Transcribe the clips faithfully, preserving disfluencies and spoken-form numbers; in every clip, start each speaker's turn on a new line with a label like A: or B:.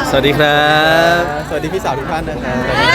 A: สวัสดีครับ
B: สวัสดีพี่สาวทุกท่านนะครับ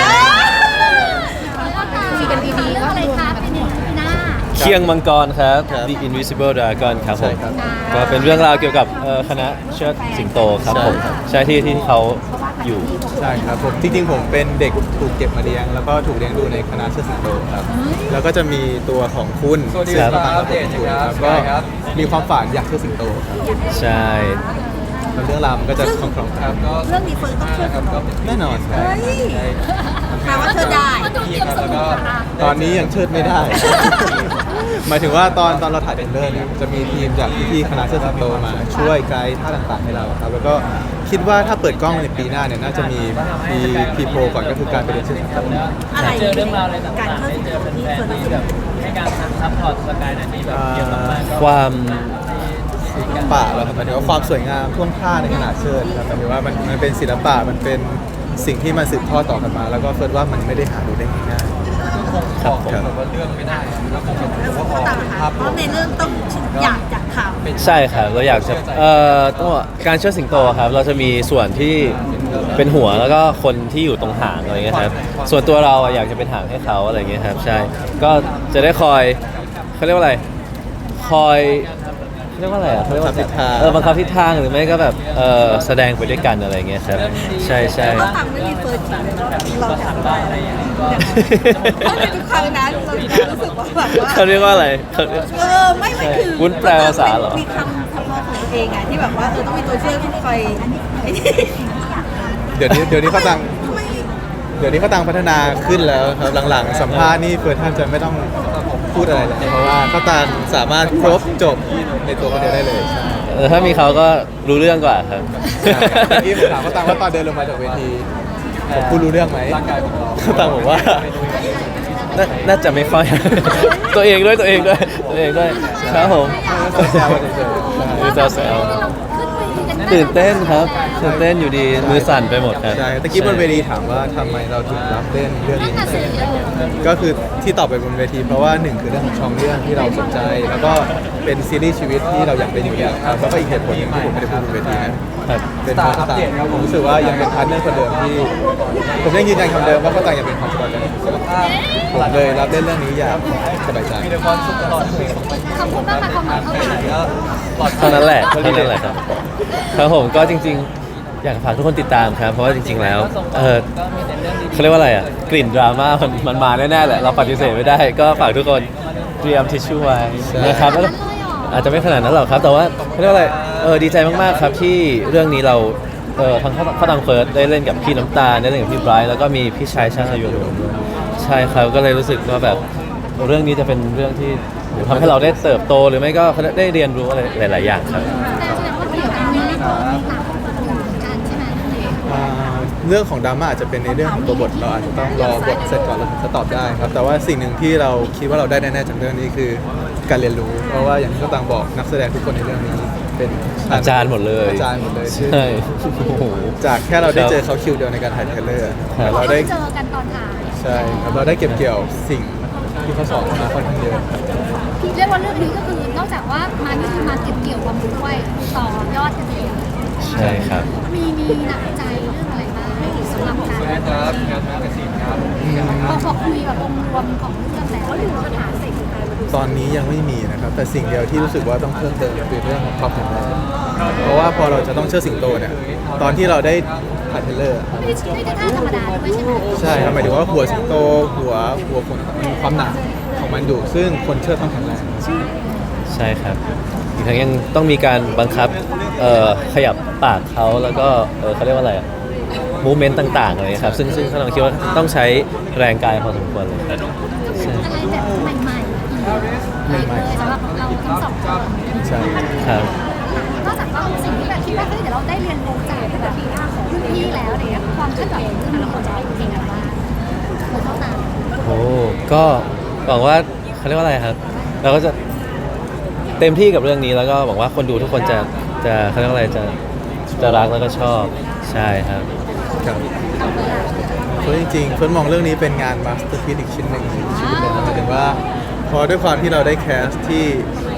C: คุยกันดีๆก็อะไรครับเป็นปีหน้า
A: เคียงมังกรครับ
B: ครับ
A: The Invisible Dragon ครับผม
B: ใช่ครับ
A: ก็เป็นเรื่องราวเกี่ยวกับเอ่อคณะเชิดสิงโตครับผม
B: ใช่ครับ
A: ใช่ที่ที่เขาอยู่
B: ใช่ครับผมจริงๆผมเป็นเด็กถูกเก็บมาเลี้ยงแล้วก็ถูกเลี้ยงดูในคณะเชิดสิงโตครับแล้วก็จะมีตัวของคุณ
D: สวัสดี
B: ซึ่ง
D: ครับ
B: ก็ตามกับผมอยู่ครับ
D: ใช่
B: ก็
D: ครับ
B: มีความฝันอยากเชิดสิงโตครับ
A: ใช่
B: แล้วเรื่องราวมันก็จะคล่องๆ
D: ครับก็
C: เรื่องนี้เฟิร์นต้องเชื่อ
D: ครับก็เป็น
B: แน่นอนครับ
C: เฮ้ยแปลว่าเธอได้
D: พี่ครับแล้วก็
B: ตอนนี้ยังเชิดไม่ได้ หมายถึงว่าตอนตอนเราถ่ายเทรลเลอร์เนี่ยจะมีทีมจากพี่ๆคณะเชิดสิงโตมาช่วยไกด์ท่าต่างๆให้เราครับแล้วก็คิดว่าถ้าเปิดกล้องในปีหน้าเนี่ยน่าจะมีมีพีโพก่อนก็คือการไปเรียนเชิดสิงโต
C: อะไร
E: เจอเรื่องราวอะไรต่าง
C: การ
E: ๆ
C: เข้า
E: ได้
C: ถึง
E: เจอ
C: ตัวที่
E: แฟ
C: เฟิ
E: น
C: ร์น
E: ๆที่แบบให้การซัพพอร์ตสกายหน่อยที่แบบเกี่ยวกับมันก็
A: ความ
B: ศิลปะแล้วครับหมายถึงว่าความสวยงามท่วงท่าในขณะเชิดครับหมายถึงว่ามันมันเป็นศิลปะมันเป็นสิ่งที่มันสืบทอดต่อกันมา แล้วก็เฟิร์สว่ามันไม่ได้หาดูได้ง่าย
D: คงบอกแบบว่าเรื่องไม่ได้แล้วคงจะบอกว่าพอ
C: ต่าง
D: เป็น
C: ๆ
D: ภาพ
C: เพ
D: รว
C: ราะ
D: ม
C: ในเรื่องต้องอยากจะท
A: ใช่ครับเราอยากจะเอ่อต้องบอกการเชิดสิงโตครับเราจะมีส่วนที่เป็นหัวแล้วก็คนที่อยู่ตรงหางอะไรเงี้ยครับส่วนตัวเราอะอยากจะเป็นหางให้เขาอะไรเงี้ยครับใช่ก็จะได้คอยเขาเรียกว่าอะไรคอยเขาเรียกว่าอะไรอ่ะเขาเรียกว่าเออบังคับทิศทางหรือไม่ก็แบบเออแสดงไปด้วยกันอะไรเงี้ยครับใช่ใช่
C: ำก็ฟังไม่มีเฟิร์นจริงเราอยากได้เพราะในทุกครั้งนั้นเรารู้สึกว่าแบบว่า
A: เขาเรียกว่าอะไรเขา
C: เออไม่ไม่คือ
A: วุ้นแปลภาษาเหรอ
C: มีคำคำนองของตัวเองอะที่แบบว่าเออต้องมีตัวเชื่อมที่คอยไอ้นี่
B: ๆ เดี๋ยวนี้เดี๋ยวนี้เขาตัง
C: ไม่
B: เดี๋ยวนี้เขาตังพัฒนาขึ้นแล้วครับหลังๆ สัมภาษณ์นี่เฟิร์สท่านจะไม่ต้องพูดอะไรเลยเพราะว่าเขาตังสามารถครบจบในตัวคนเดียวได้เลยใช่
A: เออถ้ามีเขาก็รู้เรื่องกว่าครับ
B: เมื่อกี้ผมถามเขาตังว่าตอนเดินลงมาจากเวทีผมพูดรู้เรื่องไหม
D: ร่างกายของเรา
B: เขาตังบอกว่า
A: น่าน่าจะไม่ค่อย ตัวเองด้วยตัวเองด้วยตัวเองด้วยครับผม
B: แซวๆเฉยๆ
A: คือจะแซวตื่นเต้นครับตื่นเต้นอยู่ดีมือสั่นไปหมดครับ
B: ใช่ตะกี้บนเวทีถามว่าทำไมเราถึงรับเล่นเรื่องนี้ก็คือที่ตอบไปบนเวทีเพราะว่าหนึ่งคือเรื่องของช่องเรื่องที่เราสนใจ แล้วก็เป็นซีรีส์ชีวิตที่เราอยากเป็นอยู่แล้วครับแล้วก็อีกเหตุผลหนึงที่ผมไม่ได้พูดบนเวทีนะครับ เป็นเพราะเขาต่างผมรู้สึกว่ายังเป็นพาร์ทเนอร์คนเดิมที่ผมยังยืนยันคำเดิมว่าเขาต่างยังเป็นความสบายใจของผมผมเลยรับเล่นเรื่องนี้อย่างสบายใจ
D: มีแต่ความสุขตลอดเลย
C: ขอบคุณมากค่ะความหมายเท่าไหร่
D: ก็ปลอดภัย
A: เท่านั้นแหละเท่านั้นแหละครับครับผมก็จริงๆ อยากฝากทุกคนติดตามครับ เพราะว่าจริง ๆ แล้วเออ
E: ก็มีแต่เรื่องดี
A: เขาเรียกว่าอะไรอ่ะกลิ่นดราม่ามันมันมาแน่ๆแหละเราปฏิเสธไม่ได้ ก็ฝากทุกคนเตรียมทิชชู่ไว้นะครับแล้วก็อาจจะไม่ขนาดนั้นหรอกครับ แต่ว่าเขาเรียกว่าอะไรเออดีใจมากๆครับที่เรื่องนี้เราเออทั้งข้าวตังเฟิร์สได้เล่นกับพี่น้ำตาลได้เล่นกับพี่ไบรท์แล้วก็มีพี่ชายชาติอายุด้วยใช่ครับก็เลยรู้สึกว่าแบบเรื่องนี้จะเป็นเรื่องที่ทำให้เราได้เติบโตหรือไม่ก็ได้เรียนรู้อะไรหลาย ๆ อย่างครับ
C: แต่แสดงว่าเกี่ยวกับเรื่องนี้ต่างคนเหมือนกันใช่ไหม
B: อ่าเรื่องของดราม่าอาจจะเป็นในเรื่องของตัวบทเราอาจจะต้องรอบทเสร็จก่อนเราถึงจะตอบได้ครับแต่ว่าสิ่งหนึ่งที่เราคิดว่าเราได้แน่ๆจากเรื่องนี้คือการเรียนรู้ เพราะว่าอย่างที่เขาต่างบอกนักแสดงทุกคนในเรื่องนี้เป็น
A: อาจารย์หมดเลย
B: อาจารย์หมดเลยซึ่ง
A: ใช่โอ้โห
B: จากแค่เราได้
A: ครับ
B: เจอเขาคิวเดียวในการถ่ายเทรลเลอร์
A: ครับ
B: เราได้
C: เจอกันตอนถ่าย
B: ใช่ครับเราได้เก็บเกี่ยวสิ่งที่เขาสอนมาค่อนข้างเยอะ
C: เรียกว่าเรื่องนี้ก็คือนอกจากว่ามานี่คือมาเก็บเกี่ยวความรู้ด้วยต่อยอดกันเอง
A: ใช่ครับ
C: มีมีหนักใจเรื่องอะไรบ้างสำหรับการ
D: นะครับงานแมกกาซีนครับ
C: พอพอคุยแบบองค์รวมของเรื่องแล้วหรือปัญหาสิ่งใดมาดู
B: ตอนนี้ยังไม่มีนะครับ แต่สิ่งเดียวที่รู้สึกว่าต้องเพิ่มเติมคือเรื่องของความแข็งแรงเพราะว่าพอเราจะต้องเชื่อสิงโตเนี่ยตอนที่เราได้ถ่ายเทรลเลอร์
C: ไม่ได้ไม่ได้ท่าธรรมดาด้วยใช่ไหม
B: ใช่ครับหมายถึงว่าหัวสิงโตหัวหัวคนมีความหนักของมันอยู่ซึ่งคนเชื่อต้องแข็งแรง
A: ใช่ครับ อีกทั้งยังต้องมีการบังคับเอ่อขยับปากเขาแล้วก็เออเขาเรียกว่าอะไรมูเมนต์ต่างๆอะไรครับซึ่งซึ่งเขาลองคิดว่าต้องใช้แรงกายพอสมควรเลยครับใช่
C: อะไรแบบใหม่ๆอีกเลยสำหรับเราทั้งสองคน
B: ใช่
A: ครับ
C: นอกจากว่าสิ่งที่แบบคิดว่าเฮ้ยเดี๋ยวเราได้เรียนรู้จากแบบรุ่นพี่แล้วอะไรเงี้ยความคาดหวังของแต่ละคนจะได้เก่งอะไรบ้างคนเข้าตาม
A: โอ้ก็หวังว่าเขาเรียกว่าอะไรครับ เราก็จะเต็มที่กับเรื่องนี้แล้วก็หวังว่าคนดูทุกคนจะจะเขาเรียกว่าอะไรจะจะรักแล้วก็ชอบใช่ครับ
B: ครับเพราะจริงๆเฟิร์นมองเรื่องนี้เป็นงานมาสเตอร์พีซอีกชิ้นหนึ่งในชีวิตเลยนะหมายถึงว่าพอด้วยความที่เราได้แคสที่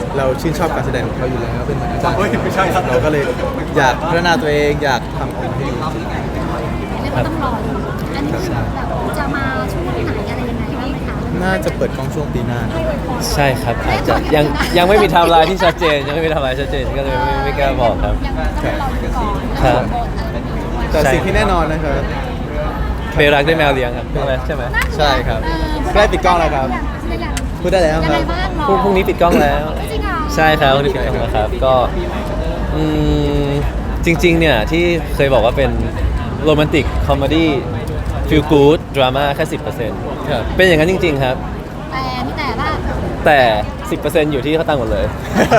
B: เราชื่นชอบการแสดงของเขาอยู่แล้วเป็นเหมือนอาจารย์ไม่ใช่ครับเราก็เลยอยากพัฒนาตัวเองอยากทำออกมาให้ดี
C: เรียกว่าต้องรอดูอันนี้คือแบบจะมาช่วงไหนอะไรยังไงบ้างไหมคะ
B: น่าจะเปิดกล้องช่วงปีหน้า
A: ใช่ครับอาจจะยังยังไม่มีไทม์ไลน์ที่ชัดเจนยังไม่มีไทม์ไลน์ชัดเจนก็เลยไม่ไม่กล้าบอกครับ
C: ยังต้องรอดูก่อน
A: ครับ
B: แต่สิ่งที่แน่นอนนะครับ
A: เบลรักได้แมวเลี้ยงครับอะไรใช่ไหม
B: ใช่ครับใกล้ปิดกล้องแล้วครับ พูดได้แล้ว
C: ยัง
B: ค
C: ไง
B: รับ
C: บ้าง
A: พรุ่งพรุ่งนี้ปิดกล้องแล้ว
C: จริงเหรอ
A: ใช่ครับพรุ่งนี้ปิดกล้องแล้วครับก็อืมจริงๆเนี่ยที่เคยบอกว่าเป็นโรแมนติกคอมเมดี้ฟีลกู๊ดดราม่าแค่สิบเปอร์เซ็นต์
B: ครับ
A: เป็นอย่างนั้นจริง ๆ ครับ
C: แต่มีแต่ว่า
A: แต่ สิบเปอร์เซ็นต์ อยู่ที่เขาตั้งหมดเลย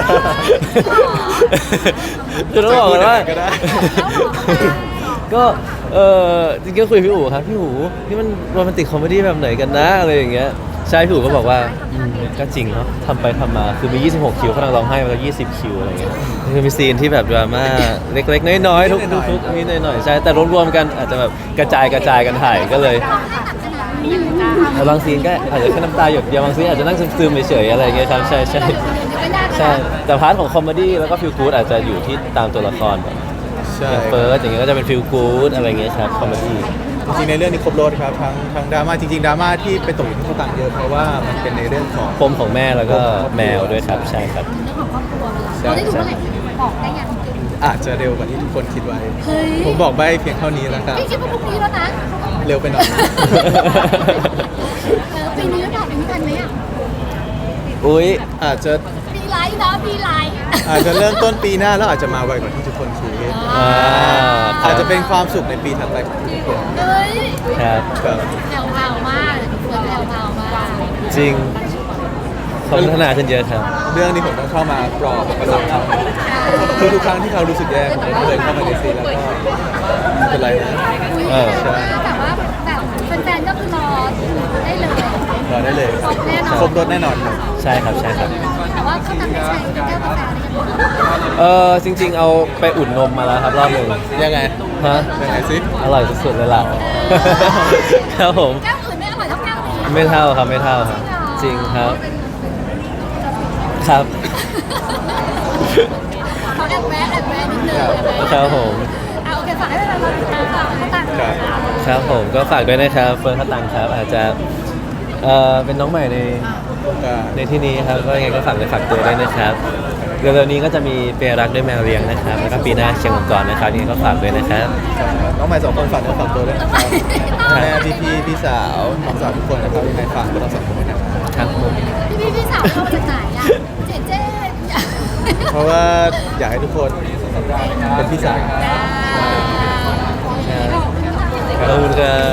A: คือต้องบอกกันว่า
B: ก็ได้
A: ก็เออจริงๆก็คุยกับพี่อู๋ครับพี่อู๋นี่มันโรแมนติกคอมเมดี้แบบไหนกันนะอะไรอย่างเงี้ยใช่พี่อู๋ก็บอกว่าอืมก็จริงเนาะทำไปทำมาคือมี ยี่สิบหก คิวเขากำลังร้องไห้มาแล้วยี่สิบ คิวอะไรเงี้ยคือมีซีนที่แบบดราม่าเล็กๆน้อยๆทุกๆทุกๆนิดหน่อยๆใช่แต่รวมๆกันอาจจะแบบกระจายกระจายกันถ่ายก็เลย แต่บางซีนก็อาจจะแค่น้ำตาหยดเดียวบางซีนอาจจะนั่งซึมๆเฉยๆอะไรอย่างเงี้ยครับใช่ใช่ใช่แต่พาร์ทของคอมเมดี้แล้วก็ฟิลกู๊ดอาจจะอยู่ที่ตามตัวละครแบบ
B: ใช่
A: อย่างเฟิร์สอย่างเงี้ยก็จะเป็นฟิลกู๊ดอะไรเงี้ยครับคอมเมดี้
B: จริงๆในเรื่องนี้ครบรถครับทั้งทั้งดราม่าจริงๆดราม่าที่ไปตกอยู่ที่เขาต่างเยอะเพราะว่ามันเป็นในเรื่องของ
A: ปมของแม่แล้วก็แมวด้วยครับใช่ครับ
C: เรื่องของครอบครัวเราได้ดูเมื่อไหร่บอกได้ยัง
B: อาจจะเร็วกว่าที่ทุกคนคิดไว้
C: เฮ้ย
B: ผมบอกใบเพียงเท่านี้แล้วครับ
C: พี่คิดว่าพรุ่งนี้แล้วนะ
B: เร็วไปหน่อย
C: เออปีนี้ผ่านปีนี้ทันไหมอ่ะ
A: อุ้ย
B: อาจจะ
C: ปีไลท์นะปีไลท์
B: อาจจะเริ่มต้นปีหน้าแล้วอาจจะมาไวกว่าที่ทุกคนคิด
A: อ่าครั
B: อา
A: บ
B: จจะเป็นความสุขในปีถัดไปของทุกคน
C: เฮ้ย
A: ครับ
B: ครับ
C: แผ่วพราวมากเฟิร์สแผ่วพราวมาก
A: จริงเขาพัฒนาขึ้นเยอะครับ
B: เรื่องนี้ผมต้องเข้ามาปลอบประโลมเขาคือทุกครั้งที่เขารู้สึกแย่ผมก็เลยเข้ามาในซีนแล้วก็ไม่เป็นไรนะ
C: อุ้ย
A: เออ
C: แต่ว่าแบบแฟนๆก็คือรอได้เลย
B: รอได้เลย
C: ครบแน่นอน
B: ครบรถแน่นอนครับ
A: ใช่ครับใช่ครับ
C: แต่ว่าเขาทำได้ใช้แก้วกาแฟได้ยัง
A: เออจริง ๆ เอาไปอุ่นนมมาแล้วครับรอบหนึ่ง
B: ยังไง
A: ฮะ
B: ยังไงซิ
A: อร่อยสุดๆเลยล่ะ ครับผม
C: แก้วอื่นไม่อร่อยเท่าแก้วนี้
A: ไม่เท่าครับไม่เท่าครับจริงครับครับ
C: เขาแอบแวะแอบแวะนิดนึง
A: ครับผม
C: อ่ะโอเคฝากให้เวลาเราติดตามต่อเขาต่างกัน
A: ครับผมก็ฝากด้วยนะครับเฟิร์นพัตตังครับ อาจจะเอ่อเป็นน้องใหม่ใน
B: ก็
A: ในที่นี้ครับก็ยังไงก็ฝากเลยฝากตัวด้วยนะครับเร็วๆนี้ก็จะมีเปียรักด้วยแมวเลี้ยงนะครับแล้วก็ปีหน้าเชียงมังกรนะครับยังไงก็ฝากด้วยนะครับ
B: น้องใหม่สองคนฝากเนื้อฝากตัวด้วยนะครับแม่พี่พี่ๆพี่สาวน้องสาวทุกคนนะครับยังไงฝากพวกเราสองคนด้วยนะครับ
A: ครับผม
C: พี่พี่พี่สาวเขามาจากไหนอ่ะเจ๊เจ๊
B: เพราะว่าอยากให้ทุกคนเป็นพี่สาว
A: ขอบคุณครับ